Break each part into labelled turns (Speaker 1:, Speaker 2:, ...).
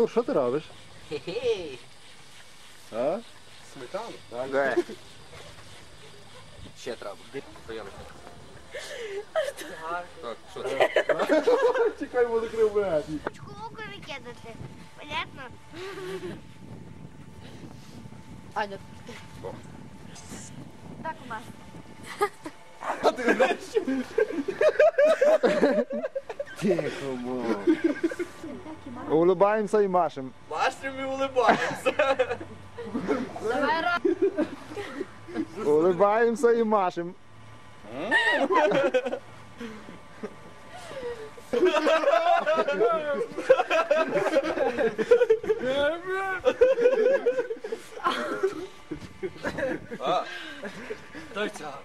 Speaker 1: Артур, що ти робиш?
Speaker 2: Хе-хей.
Speaker 1: А?
Speaker 3: Сметану?
Speaker 2: Ага. Ще треба. Прийом. Так, що це?
Speaker 1: Чекай, бо закрив мене.
Speaker 4: Луку викидати. Понятно?
Speaker 5: Аня.
Speaker 4: Так у нас.
Speaker 3: А ти знаєш?
Speaker 1: Тихо, мов. Улыбаємося і машем.
Speaker 2: Машемо і улибаємося.
Speaker 5: Давай раз.
Speaker 1: Улыбаємося і машем.
Speaker 2: Дай ця.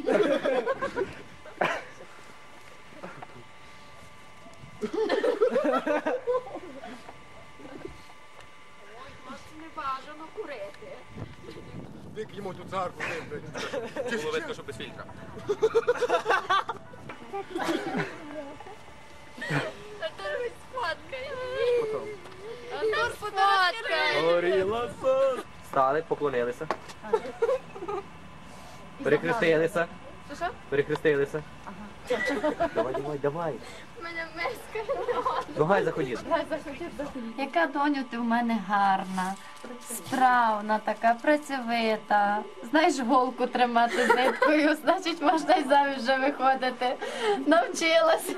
Speaker 5: Не бажано курити.
Speaker 3: Дик йому ту царку вибрати.
Speaker 2: Було видно, що без фільтра.
Speaker 5: Артур хоч сфоткає. Артур сфоткає.
Speaker 2: Горіла сон. Стали, поклонилися. Перехрестилися.
Speaker 5: Що?
Speaker 2: Перехрестилися. Давай, давай, давай.
Speaker 5: Мене миска.
Speaker 2: Ну гай заходіть.
Speaker 6: Яка, доню, ти в мене гарна, справна така, працьовита. Знаєш голку тримати з ниткою, значить можна й заміж вже виходити. Навчилася.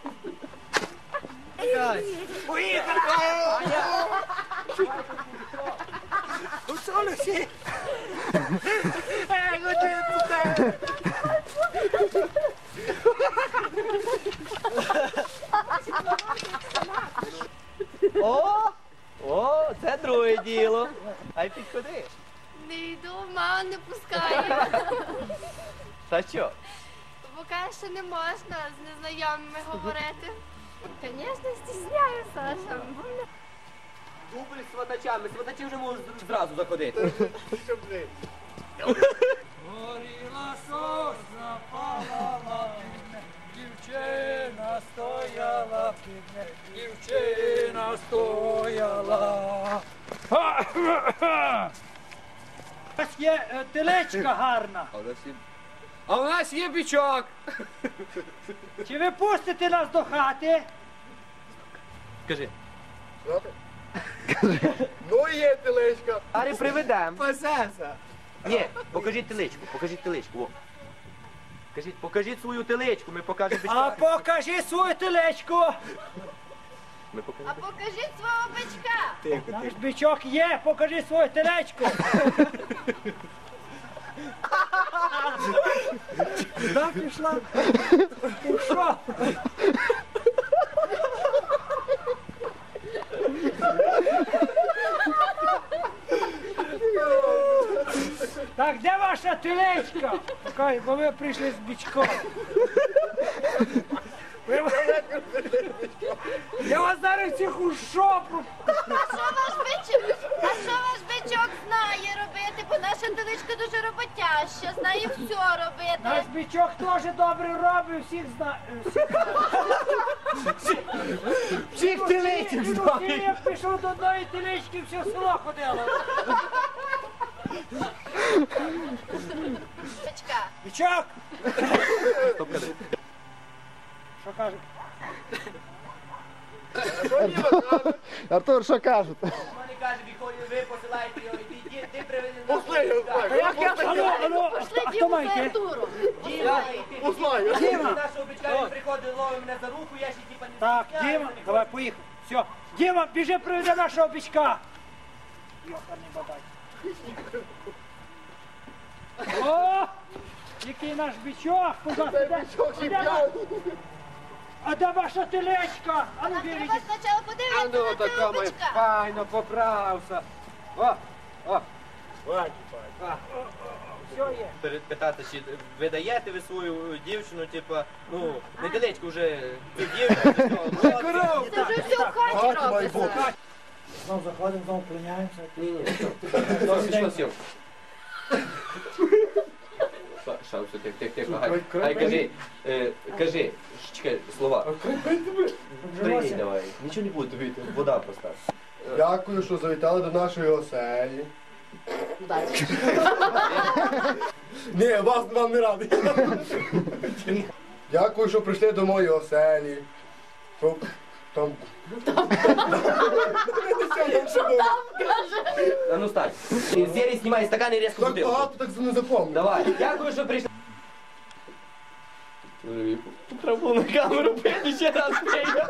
Speaker 2: О, це друге діло. Ай підходи.
Speaker 5: Не йду, мама не пускає.
Speaker 2: Та що?
Speaker 5: Бо каже, що не можна з незнайомими говорити. Звісно, стісняю, Саша.
Speaker 2: Дубль з сватачами. Сватачі вже можуть зразу заходити.
Speaker 7: Горіла сосна, палала півне, дівчина стояла півне, дівчина стояла. У нас є телечка гарна.
Speaker 3: А у нас є бичок.
Speaker 7: Чи ви пустите нас до хати?
Speaker 2: Скажи.
Speaker 3: Ну є телечка.
Speaker 2: Арі приведем.
Speaker 3: Пасеса.
Speaker 2: Ні, покажіть теличку, покажіть теличку. О. Покажіть свою теличку, ми покажемо
Speaker 7: А
Speaker 2: бичка.
Speaker 7: покажи свою телечку.
Speaker 2: Ми
Speaker 5: А
Speaker 2: покажемо.
Speaker 5: покажіть свого бичка.
Speaker 7: Наш бичок є, покажи свою телечку. Куди пішла? У що? Так, де ваша телечка? Чекай, бо ви прийшли з бичком. Я вас зараз всіх у шопу.
Speaker 5: А що ваш бичок знає робити? Бо наша теличка дуже роботяща, знає все
Speaker 7: Наш
Speaker 5: робити.
Speaker 7: бичок теж добре робить, всіх знає.
Speaker 2: Всіх теличок знає.
Speaker 7: Я пішов до одної телечки, все село ходило.
Speaker 5: Бичка.
Speaker 7: Бичок!
Speaker 2: Стоп, кажи.
Speaker 7: Що каже?
Speaker 1: Артур, що кажуть?
Speaker 2: Вони каже, ви посилаєте його, ти привели
Speaker 3: Пусти,
Speaker 7: А як я? Алло,
Speaker 5: Пошли
Speaker 7: а хто
Speaker 5: Діму за
Speaker 7: маєте?
Speaker 5: Артуром.
Speaker 3: Узнаю.
Speaker 7: Діма!
Speaker 2: Нашого бичка він приходить, ловить мене за руку, я ще типа не
Speaker 7: Так,
Speaker 2: стісняюся,
Speaker 7: Діма,
Speaker 2: не
Speaker 7: давай, поїхав. Все. Діма, біжи, приведи нашого бичка. Йоханий бабай. О, який наш бичок. А де ваша телечка? А ну
Speaker 5: Нам
Speaker 7: вірить.
Speaker 5: треба спочатку подивитися
Speaker 3: Ну,
Speaker 5: на
Speaker 3: така
Speaker 5: цього
Speaker 3: ми
Speaker 5: бичка.
Speaker 3: файно поправся. О, о.
Speaker 7: Все є.
Speaker 2: Питати, чи ви даєте ви свою дівчину, типа, ну, не теличку вже, цю дівчину,
Speaker 5: Це вже все в хаті робиться.
Speaker 7: Знову заходимо, знову клоняємося.
Speaker 2: Що сів? Шау, все, тихо, гай, кажи, чекай, слова. Прийди, давай, нічого не буде тобі, вода просто.
Speaker 3: Дякую, що завітали до нашої оселі. Ні, вам не радий. Дякую, що прийшли до моєї оселі. Щоб там...
Speaker 2: А ну стань. Из серии снимай стакан и резко
Speaker 3: Так
Speaker 2: бутылку.
Speaker 3: багато, так не запомнив.
Speaker 2: Давай. Дякую, що прийшли. Треба на камеру пити ще раз пити.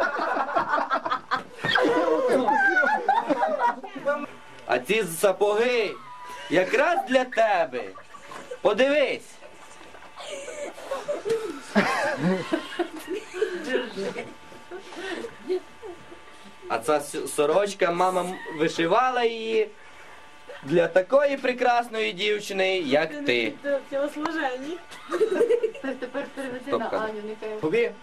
Speaker 2: А ці сапоги якраз для тебе. Подивись. А ця сорочка, мама вишивала її для такої прекрасної дівчини, як ти.
Speaker 8: Тілослужені.
Speaker 6: Тепер переведи
Speaker 2: Стоп,
Speaker 6: на
Speaker 2: Катя.
Speaker 6: Аню, нехай.
Speaker 2: Тобі?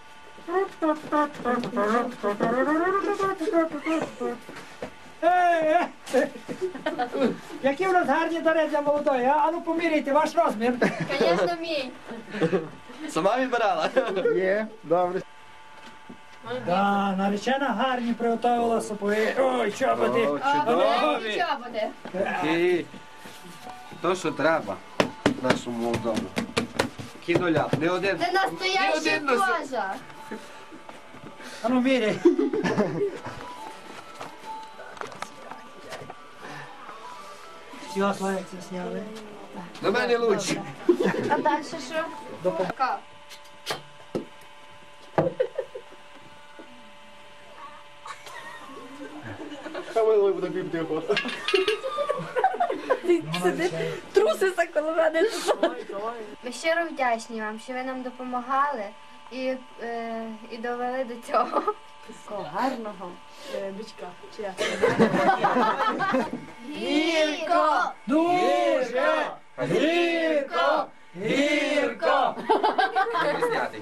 Speaker 7: Які в нас гарні дари для молодої, а? А ну поміряйте ваш розмір.
Speaker 6: Звісно, мій.
Speaker 2: Сама вибирала?
Speaker 1: Є, добре.
Speaker 7: Да, наречена гарні приготувала сапоги. Ой, чоботи.
Speaker 6: Чудові. Чоботи.
Speaker 9: І то, що треба нашому молодому. Кідоля. Не один.
Speaker 6: Це настояща кожа.
Speaker 7: А ну міряй. Все, Славик, це сняли.
Speaker 9: До мене лучше.
Speaker 6: А далі що? Така.
Speaker 3: Камило буде бібдиво.
Speaker 8: Трусися коло мене.
Speaker 4: Ми щиро вдячні вам, що ви нам допомагали і довели до цього.
Speaker 8: Такого гарного бичка. Чи як?
Speaker 6: Гірко!
Speaker 7: Дуже гірко! Гірко!
Speaker 2: Знятий.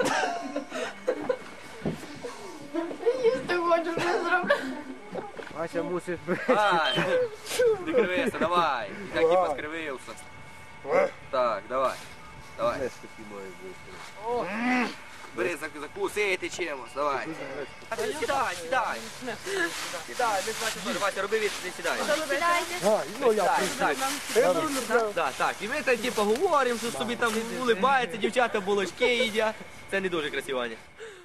Speaker 6: Їсти хочу вже зробити.
Speaker 1: Ася мусить
Speaker 2: Ай, не кривися, давай. Як типа скривився. Так, давай. Давай. Бери, закусити чимось, давай. Сідай, сідай. Сідай, не значить, що, Вася, роби від, не сідай. Так, так. І ми там типу говоримо, що собі там улибаються, дівчата булочки їдять. Це не дуже красиво, Аня.